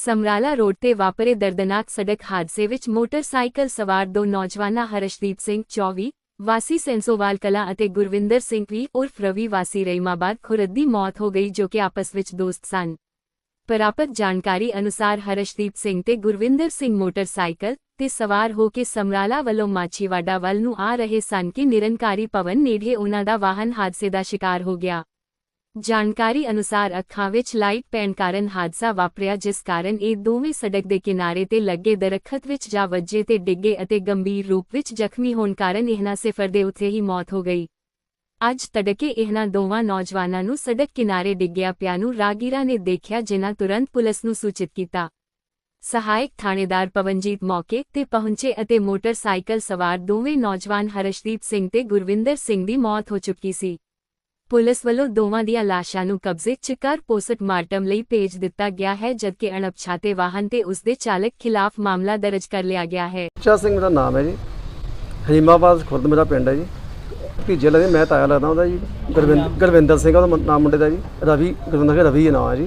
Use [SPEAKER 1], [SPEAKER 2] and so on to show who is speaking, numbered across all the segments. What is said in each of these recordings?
[SPEAKER 1] Samrala road ਤੇ ਵਾਪਰੇ ਦਰਦਨਾਕ ਸੜਕ ਹਾਦਸੇ ਵਿੱਚ ਮੋਟਰਸਾਈਕਲ ਸਵਾਰ ਦੋ ਨੌਜਵਾਨਾਂ ਹਰਸ਼ਦੀਪ ਸਿੰਘ 24 ਵਾਸੀ ਸੈਂਸੋਵਾਲ ਕਲਾਂ ਅਤੇ ਗੁਰਵਿੰਦਰ ਸਿੰਘ ਵੀ ਉਰਫ ਰਵੀ ਵਾਸੀ ਰਹੀਮਾਬਾਦ ਖੁਰਦ ਦੀ ਮੌਤ ਹੋ ਗਈ ਜੋ ਕਿ ਆਪਸ ਵਿੱਚ ਦੋਸਤ ਸਨ। ਪ੍ਰਾਪਤ ਜਾਣਕਾਰੀ ਅਨੁਸਾਰ ਹਰਸ਼ਦੀਪ ਸਿੰਘ ਤੇ ਗੁਰਵਿੰਦਰ ਸਿੰਘ ਮੋਟਰਸਾਈਕਲ ਤੇ ਸਵਾਰ ਹੋ ਕੇ ਸਮਰਾਲਾ ਵੱਲੋਂ ਮਾਛੀਵਾੜਾ ਵੱਲ ਨੂੰ ਆ ਰਹੇ ਸਨ ਕਿ ਨਿਰੰਕਾਰੀ ਭਵਨ ਨੇੜੇ ਉਨ੍ਹਾਂ ਦਾ ਵਾਹਨ ਹਾਦਸੇ ਦਾ ਸ਼ਿਕਾਰ ਹੋ ਗਿਆ। ਜਾਣਕਾਰੀ ਅਨੁਸਾਰ ਅੱਖਾਂ ਵਿੱਚ ਲਾਈਟ ਪੈਣ ਕਾਰਨ ਹਾਦਸਾ ਵਾਪਰਿਆ, ਜਿਸ ਕਾਰਨ ਇਹ ਦੋਵੇਂ ਸੜਕ ਦੇ ਕਿਨਾਰੇ ਤੇ ਲੱਗੇ ਦਰੱਖਤ ਵਿੱਚ ਜਾ ਵੱਜੇ ਤੇ ਡਿੱਗੇ ਅਤੇ ਗੰਭੀਰ ਰੂਪ ਵਿੱਚ ਜ਼ਖਮੀ ਹੋਣ ਕਾਰਨ ਇਹਨਾਂ ਸਿਫਰ ਦੇ ਉੱਥੇ ਹੀ ਮੌਤ ਹੋ ਗਈ। ਅੱਜ ਤੜਕੇ ਇਹਨਾਂ ਦੋਵਾਂ ਨੌਜਵਾਨਾਂ ਨੂੰ ਸੜਕ ਕਿਨਾਰੇ ਡਿੱਗਿਆ ਪਿਆ ਨੂੰ ਰਾਹਗੀਰਾਂ ਨੇ ਦੇਖਿਆ, ਜਿਨ੍ਹਾਂ ਤੁਰੰਤ ਪੁਲਿਸ ਨੂੰ ਸੂਚਿਤ ਕੀਤਾ। ਸਹਾਇਕ ਥਾਣੇਦਾਰ ਪਵਨਜੀਤ ਮੌਕੇ ਤੇ ਪਹੁੰਚੇ ਅਤੇ ਮੋਟਰਸਾਈਕਲ ਸਵਾਰ ਦੋਵੇਂ ਨੌਜਵਾਨ ਹਰਸ਼ਦੀਪ ਸਿੰਘ ਤੇ ਗੁਰਵਿੰਦਰ ਸਿੰਘ ਦੀ ਮੌਤ ਹੋ ਚੁੱਕੀ ਸੀ। ਪੁਲਿਸ ਵੱਲੋਂ ਦੋਵਾਂ ਦੀਆਂ ਲਾਸ਼ਾਂ ਨੂੰ ਕਬਜ਼ੇ 'ਚ ਕਰ ਪੋਸਟਮਾਰਟਮ ਲਈ ਭੇਜ ਦਿੱਤਾ ਗਿਆ ਹੈ, ਜਦਕਿ ਅਣਪਛਾਤੇ ਵਾਹਨ ਤੇ ਉਸ ਦੇ ਚਾਲਕ ਖਿਲਾਫ ਮਾਮਲਾ ਦਰਜ ਕਰ ਲਿਆ ਗਿਆ ਹੈ।
[SPEAKER 2] ਬੱਚਾ ਸਿੰਘ ਮੇਰਾ ਨਾਮ ਹੈ ਜੀ, ਰਹੀਮਾਬਾਦ ਖੁਰਦ ਮੇਰਾ ਪਿੰਡ ਹੈ ਜੀ। ਭਤੀਜੇ ਲੱਗਦੇ, ਮੈਂ ਤਾਇਆ ਲੱਗਦਾ ਉਹਦਾ ਜੀ। ਗੁਰਵਿੰਦਰ ਸਿੰਘ ਉਹਦਾ ਨਾਮ ਮੁੰਡੇ ਦਾ ਜੀ, ਰਵੀ ਗੁਰਵਿੰਦਰ ਰਵੀ ਨਾਮ ਹੈ ਜੀ।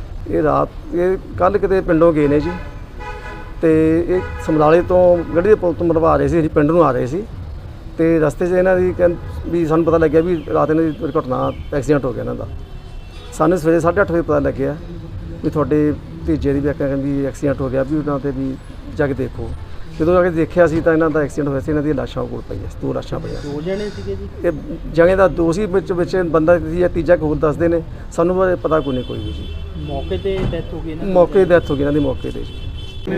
[SPEAKER 2] ਇਹ ਕੱਲ੍ਹ ਕਿਤੇ ਪਿੰਡੋਂ ਗਏ ਨੇ ਜੀ, ਤੇ ਇਹ ਸਮਰਾਲੇ ਤੋਂ ਗੱਡੀ ਦੇ ਪੁਲ ਤੋਂ ਮਰਵਾ ਰਹੇ ਸੀ, ਅਸੀਂ ਪਿੰਡ ਨੂੰ ਆ ਰਹੇ ਸੀ, ਤੇ ਰਸਤੇ 'ਚ ਇਹਨਾਂ ਦੀ ਵੀ ਸਾਨੂੰ ਪਤਾ ਲੱਗਿਆ ਵੀ ਰਾਤ ਇਹਨਾਂ ਦੀ ਘਟਨਾ ਐਕਸੀਡੈਂਟ ਹੋ ਗਿਆ ਇਹਨਾਂ ਦਾ। ਸਾਨੂੰ ਸਵੇਰੇ 8:30 ਵਜੇ ਪਤਾ ਲੱਗਿਆ ਵੀ ਤੁਹਾਡੇ ਭਤੀਜੇ ਦੀ ਵੀ ਐਕਸੀਡੈਂਟ ਹੋ ਗਿਆ, ਵੀ ਉਹਨਾਂ 'ਤੇ ਵੀ ਜਾ ਕੇ ਦੇਖੋ। ਜਦੋਂ ਜਾ ਕੇ ਦੇਖਿਆ ਸੀ ਤਾਂ ਇਹਨਾਂ ਦਾ ਐਕਸੀਡੈਂਟ ਹੋਇਆ ਸੀ, ਇਹਨਾਂ ਦੀਆਂ ਲਾਸ਼ਾਂ ਕੋਲ ਪਈਆਂ, 2 ਲਾਸ਼ਾਂ ਪਈਆਂ।
[SPEAKER 3] 2 ਜਣੇ ਸੀਗੇ ਜੀ?
[SPEAKER 2] ਇਹ ਜਣੇ ਦਾ 2 ਸੀ, ਵਿੱਚ ਬੰਦਾ ਸੀ, ਤੀਜਾ ਹੋਰ ਦੱਸਦੇ ਨੇ, ਸਾਨੂੰ ਪਤਾ ਕੋਈ ਨਹੀਂ ਕੋਈ ਵੀ ਜੀ।
[SPEAKER 3] ਮੌਕੇ ਤੇ ਡੈਥ ਹੋ ਗਈ ਇਹਨਾਂ ਦੀ?
[SPEAKER 2] ਮੌਕੇ ਤੇ ਡੈਥ ਹੋ ਗਈ ਇਹਨਾਂ ਦੀ, ਮੌਕੇ ਤੇ ਜੀ।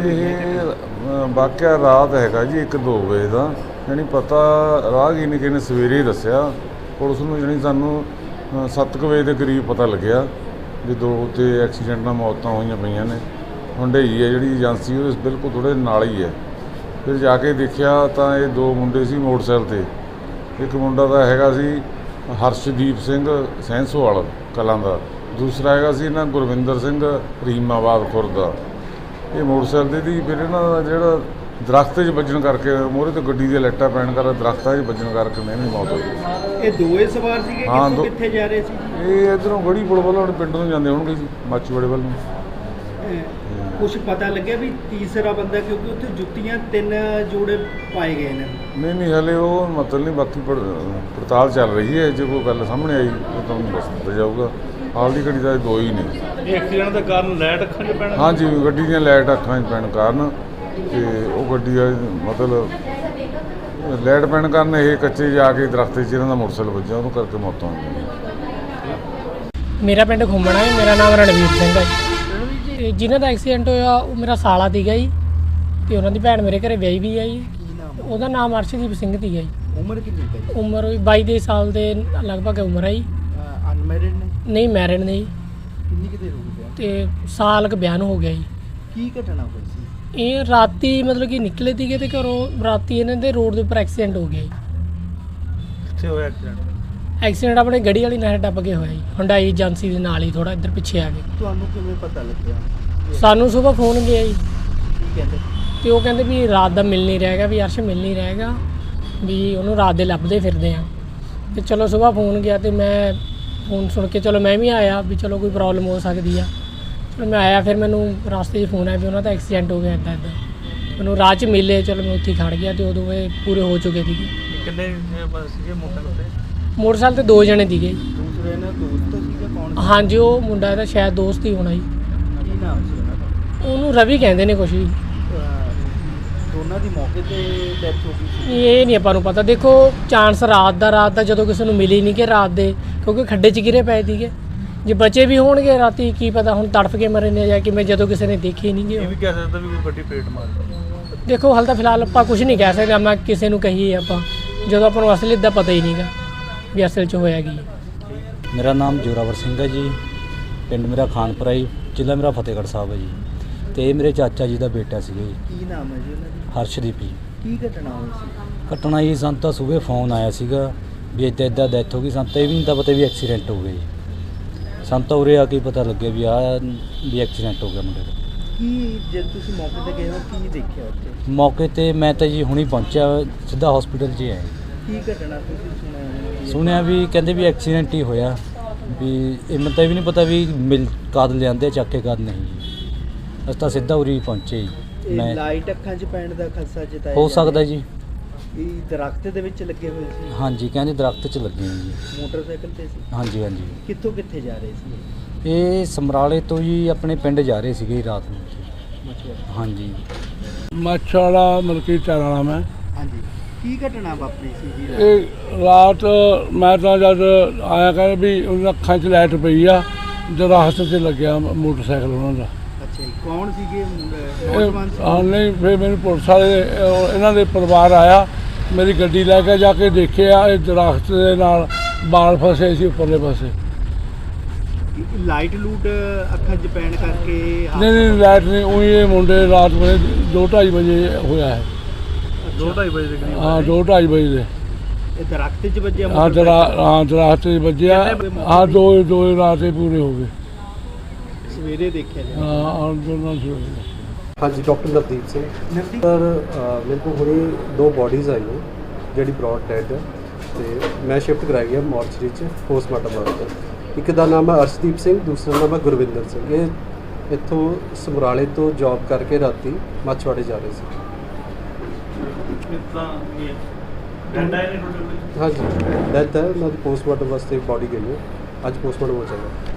[SPEAKER 4] ਇਹ ਵਾਕਿਆ ਰਾਤ ਹੈਗਾ ਜੀ 1-2 ਵਜੇ ਦਾ, ਜਾਣੀ ਪਤਾ ਰਾਹਗੀਰ ਨੇ ਕਿਸੇ ਨੇ ਸਵੇਰੇ ਹੀ ਦੱਸਿਆ ਪੁਲਿਸ ਨੂੰ, ਜਾਣੀ ਸਾਨੂੰ 7 ਵਜੇ ਦੇ ਕਰੀਬ ਪਤਾ ਲੱਗਿਆ ਵੀ 2 ਤੇ ਐਕਸੀਡੈਂਟ ਨਾਲ ਮੌਤਾਂ ਹੋਈਆਂ ਪਈਆਂ ਨੇ। ਹੁੰਡਈ ਹੈ ਜਿਹੜੀ ਏਜੰਸੀ, ਉਹ ਬਿਲਕੁਲ ਥੋੜ੍ਹੇ ਨਾਲ ਹੀ ਹੈ। ਫਿਰ ਜਾ ਕੇ ਦੇਖਿਆ ਤਾਂ ਇਹ 2 ਮੁੰਡੇ ਸੀ ਮੋਟਰਸਾਈਕਲ 'ਤੇ। ਇੱਕ ਮੁੰਡਾ ਦਾ ਹੈਗਾ ਸੀ ਹਰਸ਼ਦੀਪ ਸਿੰਘ ਸੈਂਸੋਵਾਲ ਕਲਾਂ ਦਾ, ਦੂਸਰਾ ਹੈਗਾ ਸੀ ਇਹਨਾਂ ਗੁਰਵਿੰਦਰ ਸਿੰਘ ਰਹੀਮਾਬਾਦ ਖੁਰਦ ਦਾ। ਇਹ ਮੋਟਰਸਾਈਕਲ ਦੀ ਫਿਰ ਇਹਨਾਂ ਦਾ ਜਿਹੜਾ ਦਰੱਖਤ 'ਚ ਵੱਜਣ ਕਰਕੇ, ਮੋਹਰੇ ਤੋਂ ਗੱਡੀ ਦੀਆਂ ਲਾਈਟਾਂ ਪੈਣ ਕਰਕੇ ਦਰੱਖਤਾਂ 'ਚ ਵੱਜਣ ਕਰਕੇ ਇਹਨਾਂ ਦੀ ਮੌਤ ਹੋ ਗਈ।
[SPEAKER 3] ਇਹ ਦੋਵੇਂ ਸਵਾਰ ਸੀਗੇ?
[SPEAKER 4] ਹਾਂ,
[SPEAKER 3] ਕਿੱਥੇ ਜਾ ਰਹੇ ਸੀ?
[SPEAKER 4] ਇਹ ਇੱਧਰੋਂ ਗੜੀ ਪੁਲ ਵੱਲੋਂ ਆਪਣੇ ਪਿੰਡ ਨੂੰ ਜਾਂਦੇ ਹੋਣਗੇ ਜੀ, ਮਾਛੀਵਾੜੇ ਵੱਲ ਨੂੰ।
[SPEAKER 3] ਕੁਛ ਪਤਾ ਲੱਗਿਆ ਵੀ ਤੀਸਰਾ ਬੰਦਾ, ਕਿਉਂਕਿ ਉੱਥੇ ਜੁੱਤੀਆਂ 3 ਜੋੜੇ ਪਾਏ ਗਏ ਨੇ?
[SPEAKER 4] ਨਹੀਂ ਹਲੇ ਉਹ ਮਤਲਬ ਨਹੀਂ, ਬਾਕੀ ਪੜਤਾਲ ਚੱਲ ਰਹੀ ਹੈ। ਜੇ ਕੋਈ ਗੱਲ ਸਾਹਮਣੇ ਆਈ ਤਾਂ ਤੁਹਾਨੂੰ ਦੱਸ ਦਿੱਤਾ ਜਾਊਗਾ। ਹਾਲ ਦੀ ਘੜੀ ਦਾ 2 ਹੀ ਨੇ।
[SPEAKER 3] ਇਹ ਐਕਸੀਡੈਂਟ ਦਾ ਕਾਰਨ ਲਾਈਟ ਅੱਖਾਂ 'ਚ ਪੈਣ?
[SPEAKER 4] ਹਾਂਜੀ, ਗੱਡੀ ਦੀਆਂ ਲਾਈਟ ਅੱਖਾਂ 'ਚ ਪੈਣ ਕਾਰਨ, ਤੇ ਉਹ ਗੱਡੀ ਦਾ ਮਤਲਬ ਲਾਈਟ ਪੈਣ ਕਾਰਨ ਇਹ ਕੱਚੇ ਜਾ ਕੇ ਦਰੱਖਤ 'ਚ ਇਹਨਾਂ ਦਾ ਮੋਟਰਸਾਈਕਲ ਵੱਜਿਆ, ਉਹਨੂੰ ਕਰਕੇ ਮੌਤਾਂ ਹੋ ਗਈਆਂ।
[SPEAKER 5] ਮੇਰਾ ਪਿੰਡ ਘੁੰਮਣਾ ਹੈ, ਮੇਰਾ ਨਾਮ ਰਣਵੀਰ ਸਿੰਘ ਹੈ। ਤੇ ਜਿਨ੍ਹਾਂ ਦਾ ਐਕਸੀਡੈਂਟ ਹੋਇਆ ਉਹ ਮੇਰਾ ਸਾਲਾ ਸੀਗਾ ਜੀ, ਤੇ ਉਹਨਾਂ ਦੀ ਭੈਣ ਮੇਰੇ ਘਰੇ ਵਿਆਹੀ ਵੀ ਹੈ ਜੀ। ਉਹਦਾ ਨਾਮ ਅਰਸ਼ਦੀਪ ਸਿੰਘ ਸੀਗਾ ਜੀ।
[SPEAKER 3] ਉਮਰ ਕਿੰਨੀ ਹੈ?
[SPEAKER 5] ਉਮਰ 22 ਸਾਲ ਦੇ ਲਗਭਗ ਉਮਰ ਹੈ ਜੀ।
[SPEAKER 3] ਅਨਮੈਰਿਡ ਨੇ?
[SPEAKER 5] ਨਹੀਂ, ਮੈਰਿਡ ਨੇ ਜੀ।
[SPEAKER 3] ਕਿੰਨੀ ਕਿਤੇ ਹੋ ਗਿਆ?
[SPEAKER 5] ਤੇ ਸਾਲ ਕੁ ਬਿਆਨ ਹੋ ਗਿਆ ਜੀ।
[SPEAKER 3] ਕੀ ਘਟਨਾ ਹੋਈ ਸੀ?
[SPEAKER 5] ਇਹ ਰਾਤੀ ਮਤਲਬ ਕਿ ਨਿਕਲੇ ਸੀਗੇ ਤੇ ਘਰੋਂ ਰਾਤੀ ਇਹਨਾਂ ਦੇ ਰੋਡ ਦੇ ਉੱਪਰ ਐਕਸੀਡੈਂਟ ਹੋ ਗਿਆ ਜੀ।
[SPEAKER 3] ਕਿੱਥੇ ਹੋਇਆ ਐਕਸੀਡੈਂਟ?
[SPEAKER 5] ਐਕਸੀਡੈਂਟ ਆਪਣੇ ਗੜੀ ਵਾਲੀ ਨਹਿਰ ਟੱਪ ਕੇ ਹੋਇਆ ਜੀ, ਹੁੰਡਾਈ ਏਜੰਸੀ ਦੇ ਨਾਲ ਹੀ, ਥੋੜਾ ਇੱਧਰ ਪਿੱਛੇ ਆ ਕੇ।
[SPEAKER 3] ਤੁਹਾਨੂੰ ਕਿਵੇਂ ਪਤਾ ਲੱਗਿਆ?
[SPEAKER 5] ਸਾਨੂੰ ਸੁਬਾਹ ਫੋਨ ਗਿਆ ਜੀ,
[SPEAKER 3] ਕੀ ਕਹਿੰਦੇ?
[SPEAKER 5] ਤੇ ਉਹ ਕਹਿੰਦੇ ਵੀ ਰਾਤ ਦਾ ਮਿਲ ਨਹੀਂ ਰਹੇਗਾ, ਵੀ ਅਰਸ਼ ਮਿਲ ਨਹੀਂ ਰਹੇਗਾ, ਵੀ ਉਹਨੂੰ ਰਾਤ ਦੇ ਲੱਭਦੇ ਫਿਰਦੇ ਆ। ਤੇ ਚਲੋ ਸੁਬਾਹ ਫੋਨ ਗਿਆ, ਤੇ ਮੈਂ ਫੋਨ ਸੁਣ ਕੇ ਚਲੋ ਮੈਂ ਵੀ ਆਇਆ ਵੀ ਚਲੋ ਕੋਈ ਪ੍ਰੋਬਲਮ ਹੋ ਸਕਦੀ ਆ। ਚਲੋ ਮੈਂ ਆਇਆ, ਫਿਰ ਮੈਨੂੰ ਰਸਤੇ 'ਚ ਫੋਨ ਆਇਆ ਵੀ ਉਹਨਾਂ ਦਾ ਐਕਸੀਡੈਂਟ ਹੋ ਗਿਆ ਇੱਦਾਂ। ਮੈਨੂੰ ਰਾਹ 'ਚ ਮਿਲੇ, ਚਲੋ ਮੈਂ ਉੱਥੇ ਖੜ੍ਹ ਗਿਆ, ਤੇ ਉਦੋਂ ਇਹ ਪੂਰੇ ਹੋ ਚੁੱਕੇ ਸੀਗੇ।
[SPEAKER 3] ਕਿੰਨੇ ਸੀਗੇ ਮੋਟਰਸਾਈਕਲ ਤੇ?
[SPEAKER 5] ਮੋਟਰਸਾਈਕਲ ਤੇ 2 ਜਣੇ ਸੀਗੇ।
[SPEAKER 3] ਦੂਸਰੇ ਇਹਨਾਂ ਦੋਸਤ ਸੀਗਾ? ਕੌਣ?
[SPEAKER 5] ਹਾਂਜੀ, ਉਹ ਮੁੰਡਾ ਇਹਦਾ ਸ਼ਾਇਦ ਦੋਸਤ ਹੀ ਹੋਣਾ ਜੀ।
[SPEAKER 3] ਕੀ ਨਾਮ ਸੀ ਉਹਨਾਂ ਦਾ?
[SPEAKER 5] ਉਹਨੂੰ ਰਵੀ ਕਹਿੰਦੇ ਨੇ ਕੁਛ ਵੀ।
[SPEAKER 3] ਦੋਨਾਂ ਦੀ ਮੌਕੇ ਤੇ ਡੈਥ ਹੋ ਗਈ ਸੀ?
[SPEAKER 5] ਇਹ ਨਹੀਂ ਆਪਾਂ ਨੂੰ ਪਤਾ। ਦੇਖੋ ਚਾਂਸ ਰਾਤ ਦਾ ਜਦੋਂ ਕਿਸੇ ਨੂੰ ਮਿਲੀ ਨਹੀਂ ਕਿ ਰਾਤ ਦੇ, ਕਿਉਂਕਿ ਖੱਡੇ 'ਚ ਗਿਰੇ ਪਏ ਸੀਗੇ। ਜੇ ਬੱਚੇ ਵੀ ਹੋਣਗੇ ਰਾਤੀ, ਕੀ ਪਤਾ ਹੁਣ ਤੜਫ ਕੇ ਮਰੇ ਨੇ ਜਾਂ ਕਿਵੇਂ, ਜਦੋਂ ਕਿਸੇ ਨੇ ਦੇਖੇ ਨਹੀਂ ਗੇ।
[SPEAKER 3] ਇਹ ਵੀ ਕਹਿ ਸਕਦਾ ਵੀ ਕੋਈ ਗੱਡੀ ਪੇਟ ਮਾਰ ਗਈ।
[SPEAKER 5] ਦੇਖੋ ਹਾਲ ਤਾਂ ਫਿਲਹਾਲ ਆਪਾਂ ਕੁਝ ਨਹੀਂ ਕਹਿ ਸਕਦੇ, ਮੈਂ ਕਿਸੇ ਨੂੰ ਕਹੀਏ ਆਪਾਂ, ਜਦੋਂ ਆਪਾਂ ਨੂੰ ਅਸਲੀਅਤ ਦਾ ਪਤਾ ਹੀ ਨਹੀਂਗਾ ਵੀ ਅਸਲ 'ਚ ਹੋਇਆ ਕੀ।
[SPEAKER 6] ਮੇਰਾ ਨਾਮ ਜੋਰਾਵਰ ਸਿੰਘ ਹੈ ਜੀ, ਪਿੰਡ ਮੇਰਾ ਖਾਨਪੁਰਾ ਜੀ, ਜ਼ਿਲ੍ਹਾ ਮੇਰਾ ਫਤਿਹਗੜ੍ਹ ਸਾਹਿਬ ਹੈ ਜੀ। ਤੇ ਇਹ ਮੇਰੇ ਚਾਚਾ ਜੀ ਦਾ ਬੇਟਾ ਸੀਗਾ ਜੀ।
[SPEAKER 3] ਕੀ ਨਾਮ ਹੈ ਜੀ ਉਹਨਾਂ ਦੀ?
[SPEAKER 6] ਹਰਸ਼ਦੀਪ ਜੀ।
[SPEAKER 3] ਕੀ ਘਟਨਾ ਹੋਈ ਸੀ?
[SPEAKER 6] ਘਟਨਾ ਜੀ, ਸਾਨੂੰ ਤਾਂ ਸਵੇਰੇ ਫੋਨ ਆਇਆ ਸੀਗਾ ਵੀ ਇੱਦਾਂ ਡੈਥ ਹੋ ਗਈ। ਸਾਨੂੰ ਤਾਂ ਇਹ ਵੀ ਨਹੀਂ ਤਾਂ ਪਤਾ ਵੀ ਐਕਸੀਡੈਂਟ ਹੋ ਗਿਆ ਜੀ। ਸਾਨੂੰ ਤਾਂ ਉਰੇ ਆ ਕੇ ਪਤਾ ਲੱਗਿਆ ਵੀ ਵੀ ਐਕਸੀਡੈਂਟ ਹੋ ਗਿਆ ਮੁੰਡੇ ਦਾ।
[SPEAKER 3] ਕੀ ਜਦ ਤੁਸੀਂ ਮੌਕੇ ਤੇ ਗਏ ਹੋ ਕੀ ਦੇਖਿਆ ਉੱਥੇ?
[SPEAKER 6] ਮੌਕੇ ਤੇ ਮੈਂ ਤਾਂ ਜੀ ਹੁਣੀ ਪਹੁੰਚਿਆ, ਸਿੱਧਾ ਹਸਪੀਟਲ 'ਚ ਆਇਆ।
[SPEAKER 3] ਕੀ ਘਟਨਾ ਤੁਸੀਂ
[SPEAKER 6] ਸੁਣਿਆ ਵੀ ਕਹਿੰਦੇ ਵੀ ਐਕਸੀਡੈਂਟ ਹੀ ਹੋਇਆ, ਵੀ ਇਹ ਮੈਨੂੰ ਤਾਂ ਇਹ ਵੀ ਨਹੀਂ ਪਤਾ ਵੀ ਕਦ ਲਿਆਂਦੇ ਚੱਕ ਕੇ ਕਦ ਨਹੀਂ ਜੀ। ਅਸੀਂ ਤਾਂ ਸਿੱਧਾ ਉਰੀ ਪਹੁੰਚੇ ਜੀ।
[SPEAKER 3] ਇਹ
[SPEAKER 6] ਮੈਂ
[SPEAKER 3] ਲਾਈਟ ਅੱਖਾਂ 'ਚ ਪੈਣ ਦਾ ਖਦਸ਼ਾ ਜਤਾਇਆ
[SPEAKER 6] ਹੋ
[SPEAKER 3] ਜਾ
[SPEAKER 6] ਸਕਦਾ
[SPEAKER 3] ਰਿਹਾ।
[SPEAKER 6] ਜੀ।
[SPEAKER 3] ਇਹ ਦਰਖਤ ਦੇ ਵਿੱਚ ਲੱਗੇ ਹੋਏ ਸੀ,
[SPEAKER 6] ਹਾਂਜੀ ਕਹਿੰਦੇ ਦਰਖਤ 'ਚ ਲੱਗੇ ਹੋਏ ਜੀ।
[SPEAKER 3] ਮੋਟਰਸਾਈਕਲ ਤੇ ਸੀ।
[SPEAKER 6] ਹਾਂਜੀ ਹਾਂਜੀ।
[SPEAKER 3] ਕਿੱਥੋਂ ਕਿੱਥੇ ਜਾ ਰਹੇ ਸੀ
[SPEAKER 6] ਇਹ ਸਮਰਾਲੇ ਤੋਂ ਜੀ ਆਪਣੇ ਪਿੰਡ ਜਾ ਰਹੇ ਸੀਗੇ ਰਾਤ ਨੂੰ ਜੀ।
[SPEAKER 3] ਮਛੁਆਰੇ?
[SPEAKER 6] ਹਾਂਜੀ।
[SPEAKER 7] ਮੱਛਵਾੜਾ ਮਲਕੀਤ ਵਾਲਾ ਮੈਂ।
[SPEAKER 3] ਹਾਂਜੀ, ਕੀ ਘਟਨਾ ਵਾਪਰੀ ਸੀ ਜੀ ਰਾਤ?
[SPEAKER 7] ਇਹ ਰਾਤ ਮੈਂ ਤਾਂ ਜਦ ਆਇਆ ਕਹਿੰਦੇ ਵੀ ਉਹਨਾਂ ਅੱਖਾਂ 'ਚ ਲਾਈਟ ਪਈ ਆ, ਦਰਖਤ 'ਤੇ ਲੱਗਿਆ ਮੋਟਰਸਾਈਕਲ ਉਹਨਾਂ ਦਾ।
[SPEAKER 3] ਅੱਛਾ ਜੀ, ਕੌਣ ਸੀਗੇ ਨੌਜਵਾਨ ਸੀ?
[SPEAKER 7] ਹਾਂ ਨਹੀਂ, ਫਿਰ ਮੈਨੂੰ ਪੁਲਿਸ ਵਾਲੇ ਇਹਨਾਂ ਦੇ ਪਰਿਵਾਰ ਆਇਆ, ਮੇਰੀ ਗੱਡੀ ਲੈ ਕੇ ਜਾ ਕੇ ਦੇਖਿਆ ਇਹ ਦਰਖਤ ਦੇ ਨਾਲ ਬਾਲ ਫਸੇ ਸੀ ਉੱਪਰਲੇ ਪਾਸੇ।
[SPEAKER 3] ਲਾਈਟ ਲੂਟ ਅੱਖਾਂ 'ਚ ਪੈਣ ਕਰਕੇ
[SPEAKER 7] ਨਹੀਂ ਨਹੀਂ ਲਾਈਟ ਨਹੀਂ, ਉਹੀ ਇਹ ਮੁੰਡੇ ਰਾਤ ਵੇਲੇ 2:30 ਵਜੇ ਹੋਇਆ ਹੈ।
[SPEAKER 3] 2:30 ਵਜੇ ਦੇ ਕਰੀਬ?
[SPEAKER 7] ਹਾਂ 2:30 ਵਜੇ ਦੇ।
[SPEAKER 3] ਇਹ ਦਰਖਤ 'ਚ ਵੱਜਿਆ
[SPEAKER 7] ਹਾਂ
[SPEAKER 3] ਮੋਟਰਸਾਈਕਲ?
[SPEAKER 7] ਹਾਂ ਦਰਖਤ 'ਚ ਵੱਜਿਆ। ਹਾਂ ਦੋ ਰਾਤੇ ਪੂਰੇ ਹੋ ਗਏ।
[SPEAKER 3] ਸਵੇਰੇ ਦੇਖਿਆ ਜੀ?
[SPEAKER 7] ਹਾਂ ਦੋਨਾਂ ਸੀ।
[SPEAKER 2] ਹਾਂਜੀ, ਡਾਕਟਰ ਨਵਦੀਪ ਸਿੰਘ।
[SPEAKER 3] ਨਵਦੀਪ,
[SPEAKER 2] ਸਰ ਮੇਰੇ ਕੋਲ ਹੁਣੇ 2 ਬੋਡੀਜ਼ ਆਈਆਂ ਜਿਹੜੀ ਬ੍ਰੌਡ ਡੈਡ ਹੈ, ਤੇ ਮੈਂ ਸ਼ਿਫਟ ਕਰਾਈ ਗਿਆ ਮੋਰਚਰੀ 'ਚ ਪੋਸਟਮਾਰਟਮ ਵਾਸਤੇ। ਇੱਕ ਦਾ ਨਾਮ ਹੈ ਅਰਸ਼ਦੀਪ ਸਿੰਘ, ਦੂਸਰਾ ਨਾਮ ਹੈ ਗੁਰਵਿੰਦਰ ਸਿੰਘ। ਇਹ ਇੱਥੋਂ ਸਮਰਾਲੇ ਤੋਂ ਜੌਬ ਕਰਕੇ ਰਾਤੀ ਮੱਛਵਾੜੇ ਜਾ ਰਹੇ ਸੀ। ਹਾਂਜੀ, ਡੈਥ ਹੈ ਉਹਨਾਂ ਦੀ। ਪੋਸਟਮਾਰਟਮ ਵਾਸਤੇ ਬੋਡੀ ਗਈ ਹੈ, ਅੱਜ ਪੋਸਟਮਾਰਟਮ ਹੋ ਜਾਏਗਾ।